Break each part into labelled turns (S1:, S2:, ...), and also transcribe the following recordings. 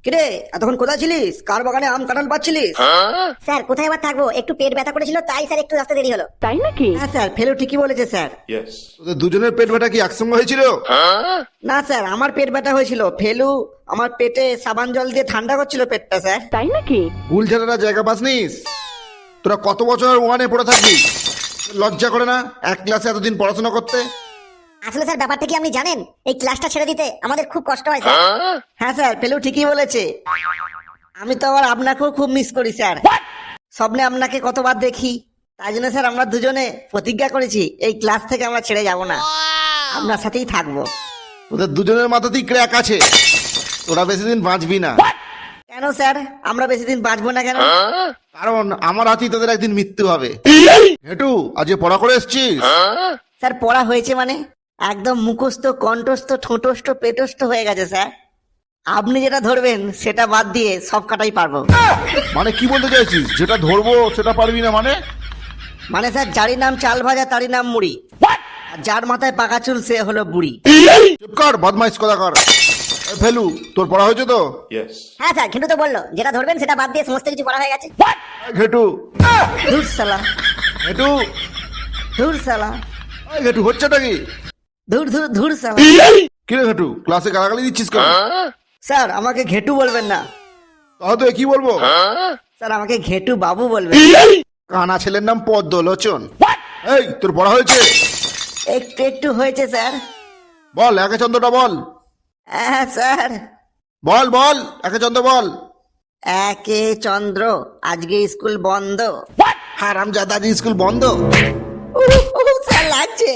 S1: কিরে এতক্ষণ কোথায় ছিলিস? কার বাগানে আম কাঁঠাল পাচ্ছিলিস?
S2: স্যার কোথায় আবার থাকবো, একটু পেট ব্যথা করেছিল তাই স্যার একটু আসতে দেরি হলো।
S3: তাই নাকি?
S1: হ্যাঁ স্যার, ফেলু ঠিকই বলেছে স্যার।
S4: Yes.
S5: তোদের দুজনের পেট ব্যথা কি একসঙ্গে হয়েছিল?
S1: না স্যার, আমার পেট ব্যথা হয়েছিল। ফেলু আমার পেটে সাবান জল দিয়ে ঠান্ডা করছিল পেটটা স্যার।
S3: তাই নাকি?
S5: ভুল ছেলেরা জায়গা পাসনিস? তোরা কত বছর ওয়ানে পড়ে থাকবি? লজ্জা করে না এক ক্লাসে এতদিন পড়াশোনা করতে?
S2: আসলে স্যার ব্যাপারটা কি আপনি জানেন, এই ক্লাসটা ছেড়ে দিতে আমাদের খুব কষ্ট হয় স্যার।
S1: হ্যাঁ স্যার, ফেলু ঠিকই বলেছে। আমি তো আবার আপনাকেও খুব মিস করি স্যার। স্বপ্নে আপনাকে কতবার দেখি। তাই জন্য স্যার আমরা দুজনে প্রতিজ্ঞা করেছি এই ক্লাস থেকে আমরা ছেড়ে যাব না, আপনার সাথেই থাকবো।
S5: তোদের দুজনের মাথাতেই ক্র্যাক আছে, তোরা বেশি দিন বাঁচবি না।
S1: কেন স্যার আমরা বেশি দিন বাঁচবো না কেন?
S5: কারণ আমার হাতেই তোদের একদিন মৃত্যু হবে। হেটু আজ পড়া করে এসছিস?
S1: স্যার পড়া হয়েছে মানে একদম মুখস্থ কণ্ঠস্থ ঠোঁটস্থ পেটস্থ হয়ে গেছে স্যার। আপনি যেটা ধরবেন সেটা বাদ দিয়ে সব কাটাই পারবো।
S5: মানে কি বলতে চাইছিস? যেটা ধরবো সেটা পারবি না মানে?
S1: মানে স্যার, যারই নাম চাল ভাজা তারই নাম মুড়ি, আর যার মাথায় পাকা চুল সে হলো বুড়ি।
S5: চুপ কর, বদমাইশ কথা কর। এই ফেলু, তোর পড়া হয়েছে তো?
S4: Yes.
S2: হ্যাঁ স্যার, কিন্তু তো বললো যেটা ধরবেন সেটা বাদ দিয়ে সমস্ত কিছু করা হয়ে গেছে।
S5: এই ঘেটু,
S1: ধুর সালা,
S5: ঘেটু,
S1: ধুর সালা,
S5: এই ঘেটু, হচ্ছেটা কি?
S1: ধুর ধুর ধুর সালা।
S5: কি রে ঘেটু, ক্লাসে গালাগালি দিচ্ছিস কেন?
S1: স্যার আমাকে ঘেটু বলবেন না
S5: তাহলে কি বলবো?
S1: স্যার, আমাকে ঘেটু বাবু বলবেন।
S5: কানা ছেলের নাম পদ্মলোচন। এই তোর পড়া হয়েছে?
S1: একটু একটু হয়েছে স্যার।
S5: বল একে চন্দ্রটা বল।
S1: হ্যাঁ স্যার।
S5: বল বল একে চন্দ্র বল।
S1: একে চন্দ্র, আজকে স্কুল বন্ধ।
S5: হারাম জাদাজি, স্কুল বন্ধ?
S1: স্যার লাগছে।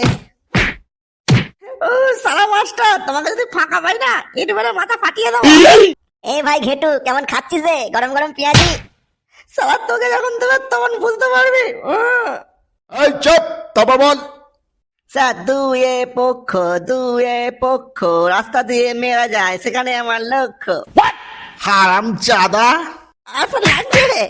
S1: ও সালা মাস্টার, তোমাকে যদি ফাঁকা পাই না একটু বেলা মাথা ফাটিয়ে দাও।
S2: এই ভাই ঘেটু, কেমন খাচ্ছিস রে গরম গরম পেঁয়াজি?
S1: সালা তোকে যখন দেবে তখন বুঝতে পারবি।
S5: এই চুপ, তারপর বল।
S1: স্যার দুয়ে পক্ষ রাস্তা দিয়ে মেরা যায়, সেখানে আমার লক্ষ্য।
S5: হারাম জাদা।
S1: আসলে লাগছে রে।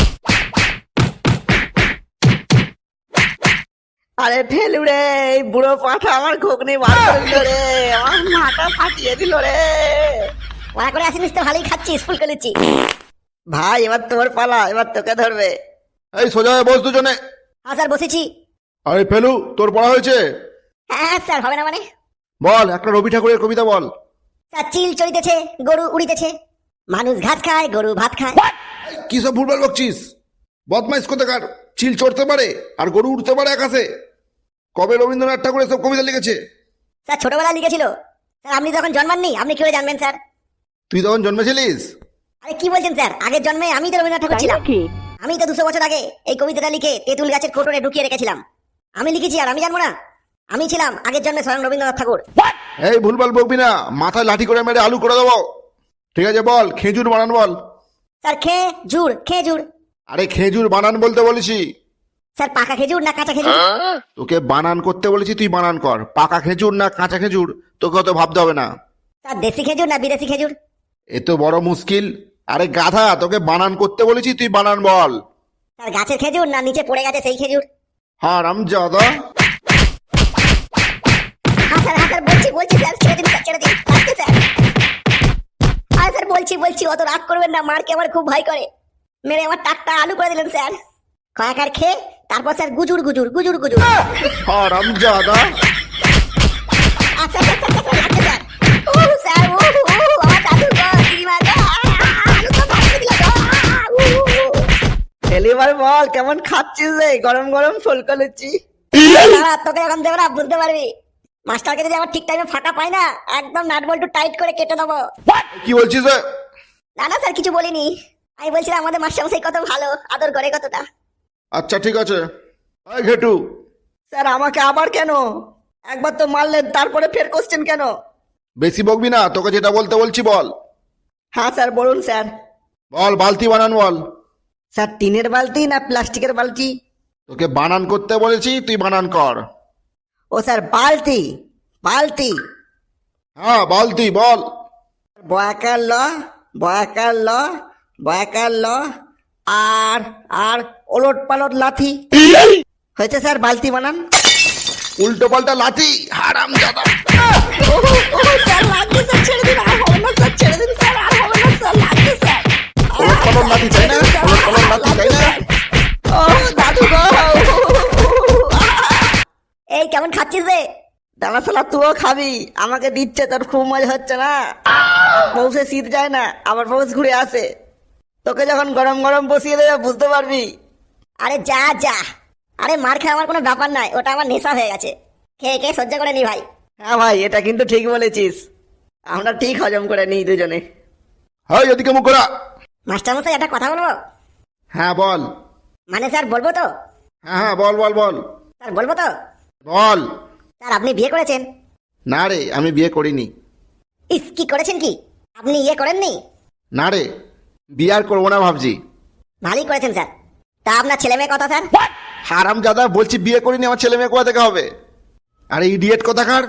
S1: আরে ফেলু রে, এই বুড়ো পাঠা আমার ঘুগনি বার করে দিল রে, আমার মাথা ফাটিয়ে দিল রে।
S2: ওরা করে আসিনিস তো ভালোই খাচ্ছিস, ফুল করেছি।
S1: ভাই এবার তোর পালা, এবার তোকে ধরবে।
S5: এই সোজা হয়ে বস দুজনে।
S2: হ্যাঁ স্যার বসেছি।
S5: আরে ফেলু, তোর পড়া হয়েছে?
S2: হ্যাঁ স্যার, হবে না মানে?
S5: বল একটা রবি ঠাকুরের কবিতা বল।
S2: স্যার চিল চড়িতেছে, গরু উড়িতেছে, মানুষ ঘাস খায়, গরু ভাত খায়।
S5: কি সব ভুলভাল বকছিস? বদমাইশ কোথাকার। চিল চড়তে পারে আর গরু উঠতে পারে আকাশে? কবে রবীন্দ্রনাথ ঠাকুর এসব কবিতা লিখেছে?
S2: স্যার ছোটবেলায় লিখেছিল। স্যার আপনি তখন জন্মাননি, আপনি কি করে জানবেন স্যার?
S5: তুই তখন জন্মেছিলিস?
S2: আরে কি বলছেন স্যার, আগের জন্মে আমি তো রবীন্দ্রনাথ ঠাকুর
S3: তাই
S2: ছিলাম।
S3: নাকি?
S2: আমি তো 200 বছর আগে এই কবিতাটা লিখে তেঁতুল গাছের কোটরে ঢুকিয়ে রেখেছিলাম। আমি লিখেছি আর আমি জানবো না? আমি ছিলাম আগের জন্মে স্বয়ং রবীন্দ্রনাথ ঠাকুর।
S5: এই ভুলভাল বকবি না, মাথায় লাঠি করে মেরে আলু করে দেবো। ঠিক আছে বল, খেজুর বানান বল।
S2: স্যার খেজুর।
S5: আরে খেজুর বানান বলতে বলেছি।
S2: স্যার পাকা খেজুর না কাঁচা খেজুর?
S5: তোকে বানান করতে বলেছি, তুই বানান কর। পাকা খেজুর না কাঁচা খেজুর তোকে অত ভাবতে হবে না।
S2: স্যার দেশি খেজুর না বিদেশি খেজুর?
S5: এ তো বড় মুশকিল। আরে গাধা, তোকে বানান করতে বলেছি, তুই বানান বল।
S2: স্যার গাছের খেজুর না নিচে পড়ে গেছে সেই খেজুর?
S5: হারাম জাদা।
S2: হ্যাঁ স্যার বলছি স্যার, ছেড়ে দিন লাগছে স্যার। হ্যাঁ স্যার বলছি, অত রাগ করবেন না, মারকে আমার খুব ভয় করে। মেরে আমার টাকটা আলু করে দিলেন স্যার। কয়েকার খেয়ে তারপর স্যার গুজুর।
S5: হারাম জাদা।
S2: আচ্ছা লাগছে স্যার। ও স্যার আমার দাদু গো, দিদিমা গো, আলু তো ফাটিয়ে দিল গো।
S1: এবার বল কেমন খাচ্ছিস রে গরম গরম ফুলকো লুচি?
S2: দাঁড়া, তোকে যখন দেবো না বুঝতে পারবি। মাস্টারকে যদি আমার ঠিক টাইমে ফাটা পাই না, একদম নাট বল্টু টাইট করে কেটে দেবো।
S5: কি বলছিস রে?
S2: না স্যার কিছু বলিনি, আমি বলছিলাম আমাদের মাস্টারমশাই কত ভালো, আদর করে কতটা।
S5: আচ্ছা ঠিক আছে। এই ঘেটু,
S1: স্যার আমাকে আবার কেন? একবার তো মারলেন, তারপরে ফের কোশ্চেন কেন?
S5: বেশি বকবি না, তোকে যেটা বলতে বলছি বল।
S1: হ্যাঁ স্যার বলুন স্যার।
S5: বল বালতি বানান বল।
S1: স্যার টিনের বালতি না প্লাস্টিকের বালতি?
S5: তোকে বানান করতে বলেছি, তুই বানান কর।
S1: ও স্যার বালতি।
S5: হ্যাঁ বালতি বল।
S1: বয়াকার ল আর ওলট পালট লাথি। হয়েছে স্যার, বালতি বানান।
S5: উল্টো পাল্টা লাথি, হারাম জাদা।
S1: স্যার লাগবে স্যার, ছেড়ে দিন, আর হবে না স্যার, ছেড়ে দিন স্যার, আর হবে না স্যার।
S5: কলম নাতি চাই না, ওলট কলম নাতি চাই না।
S1: ও দাদু গো।
S2: এই কেমন খাচ্ছিস রে?
S1: দানা শালা তুইও খাবি, আমাকে দিচ্ছে, তোর খুব মজা হচ্ছে না? পৌষে শীত যায় না, আবার পৌষ ঘুরে আসে। তোকে যখন গরম গরম বসিয়ে দেবে বুঝতে পারবি।
S2: আরে যা যা, আরে মার খাওয়া আমার কোনো ব্যাপার নয়, ওটা আমার নেশা হয়ে গেছে, খেয়ে খেয়ে সহ্য করে নি ভাই।
S1: হ্যাঁ ভাই, এটা কিন্তু ঠিক বলেছিস, আমরা ঠিক হজম করে নিই দুজনে।
S5: হাই এদিকে মুখ করা।
S2: মাস্টারমশাই একটা কথা বলবো?
S5: হ্যাঁ বল।
S2: মানে স্যার বলবো তো?
S5: হ্যাঁ হ্যাঁ বল বল বল
S2: স্যার বলবো তো?
S5: বল।
S2: স্যার আপনি বিয়ে করেছেন?
S5: না রে, আমি বিয়ে করিনি।
S2: ইস, কি করেছেন কি? আপনি ইয়ে করেননি?
S5: না রে, বিয়ে আর করবো না ভাবছি।
S2: ভালোই করেছেন স্যার। তা আপনার ছেলে মেয়ে কথা স্যার?
S5: হারাম জাদা, বলছি বিয়ে করিনি, আমার ছেলে মেয়ে কোথা থেকে হবে? আরে ইডিয়েট কোথাকার।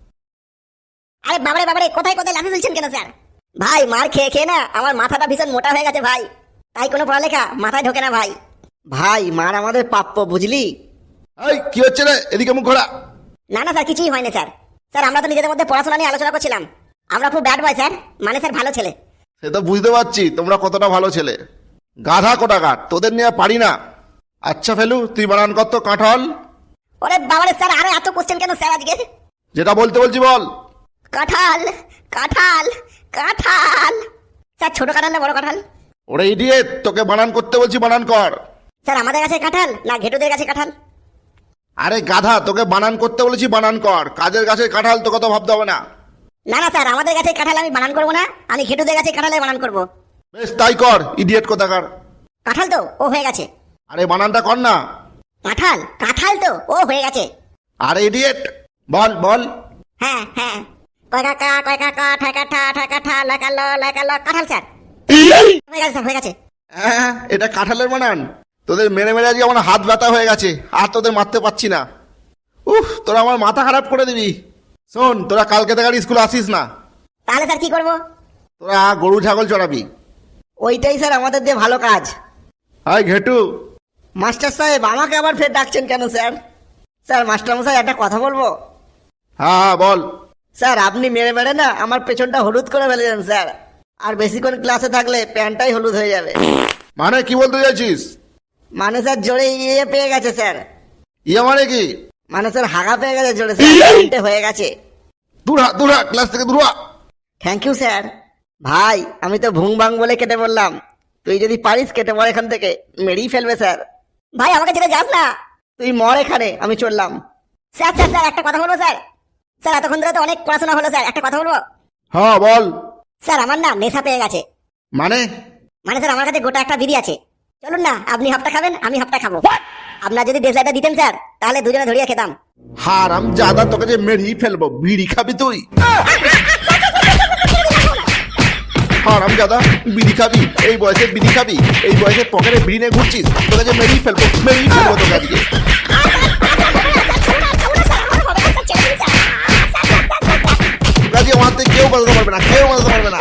S2: আরে বাবারে বাবারে, কোথায় কোথায় লাফিয়ে ফেলছেন কেন স্যার? ভাই মার খেয়ে খেয়ে না আমার মাথাটা ভীষণ মোটা হয়ে গেছে ভাই, তাই কোনো পড়ালেখা মাথায় ঢোকে না ভাই।
S1: ভাই মার আমাদের প্রাপ্য, বুঝলি?
S5: এই কি হচ্ছে রে, এদিকে মুখ ঘোরা।
S2: না না স্যার, কিছুই হয়নি স্যার। স্যার আমরা তো নিজেদের মধ্যে পড়াশোনা নিয়ে আলোচনা করছিলাম, আমরা খুব ব্যাড বয় স্যার, মানে স্যার ভালো ছেলে।
S5: সে তো বুঝতে পারছি তোমরা কতটা ভালো ছেলে। গাধা কোটাকার, তোদের নিয়ে পারি না। আচ্ছা ফেলু, তুই বানান কর তো কাঁঠাল।
S2: ওরে বাবারে স্যার, আরে এত কোশ্চেন কেন স্যার আজকে?
S5: যেটা বলতে বলছি বল।
S2: কাঁঠাল কাঁঠাল কাঁঠাল। স্যার ছোট কাঁঠাল না বড় কাঁঠাল?
S5: ওরে ইডিয়েট, তোকে বানান করতে বলছি, বানান কর।
S2: স্যার আমাদের কাছে কাঁঠাল না ঘেটুদের কাছে কাঁঠাল?
S5: আরে গাধা, তোকে বানান করতে বলেছি, বানান কর। কাজের কাছে কাঁঠাল তো কত ভাবতে হবে না।
S2: না না স্যার, আমাদের কাছে কাঁঠাল আমি বানান করবো না, আমি ঘেটুদের কাছে কাঁঠালে বানান করবো।
S5: বেশ তাই কর, ইডিয়েট কোথাকার।
S2: কাঁঠাল তো ও হয়ে গেছে।
S5: আরে বানানটা কর না।
S2: কাঁঠাল কাঁঠাল তো ও হয়ে গেছে।
S5: আরে ইডিয়েট, বল বল।
S2: হ্যাঁ হ্যাঁ, কয় কাকা কয় কাকা ঠাকা ঠা ঠাকা ঠা লাকালো লাকালো কাঁঠাল স্যার। হয়ে গেছে স্যার, হয়ে গেছে।
S5: হ্যাঁ, এটা কাঁঠালের বানান? তোদের মেরে মেরে আজকে আমার হাত ব্যথা হয়ে গেছে, আর তোদের মারতে পারছি না। উফ, তোরা আমার মাথা খারাপ করে দিবি। শোন, তোরা কালকে থেকে আর স্কুলে আসিস না।
S2: তাহলে স্যার কি করবো?
S5: তোরা গরু ছাগল চড়াবি।
S1: ওইটাই স্যার আমাদের দিয়ে ভালো কাজ।
S5: হাই ঘেটু।
S1: মাস্টার সাহেব, আমাকে আবার ফের ডাকছেন কেন স্যার? স্যার মাস্টারমশাই একটা কথা বলবো?
S5: হ্যাঁ হ্যাঁ বল।
S1: স্যার আপনি মেরে মেরে না আমার পেছনটা হলুদ করে ফেলেছেন স্যার, আর বেশিক্ষণ ক্লাসে থাকলে প্যান্টটাই হলুদ হয়ে যাবে।
S5: মানে কি বলতে চাইছিস?
S1: মানে স্যার জোরে ইয়ে পেয়ে গেছে স্যার।
S5: ইয়ে মানে কি?
S1: মানে স্যার হাগা পেয়ে গেছে জোরে স্যার, প্যান্টে হয়ে গেছে।
S5: দূর হ, ক্লাস থেকে দূর হ।
S1: Thank you sir. ভাই আমি তো ভুং ভাং বলে কেটে বললাম, তুই যদি পারিস কেটে মর এখান থেকে, মেরেই ফেলবে স্যার।
S2: ভাই আমাকে ছেড়ে যাস না।
S1: তুই মর এখানে, আমি চললাম।
S2: স্যার স্যার স্যার একটা কথা বলবো স্যার? স্যার এতক্ষণ ধরে তো অনেক পড়াশোনা হলো স্যার, একটা কথা বলবো?
S5: হ্যাঁ বল।
S2: স্যার আমার না নেশা পেয়ে গেছে।
S5: মানে?
S2: মানে স্যার আমার কাছে গোটা একটা বিড়ি আছে, চলুন না আপনি হাফটা খাবেন আমি হাফটা খাবো। আপনার যদি দেশলাইটা দিতেন স্যার, তাহলে দুজনে ধরিয়ে খেতাম।
S5: হারাম জাদা, তোকে যে মেরেই ফেলবো। বিড়ি খাবি তুই? হারাম জাদা, বিড়ি খাবি? এই বয়সে বিড়ি খাবি? এই বয়সে পকেটে বিড়ি নিয়ে ঘুরছিস? তোকে যে মেরেই ফেলবো তোকে আজকে। কাজে আমার কেউ বাজাতে পারবে না, কেউ বাজাতে পারবে না।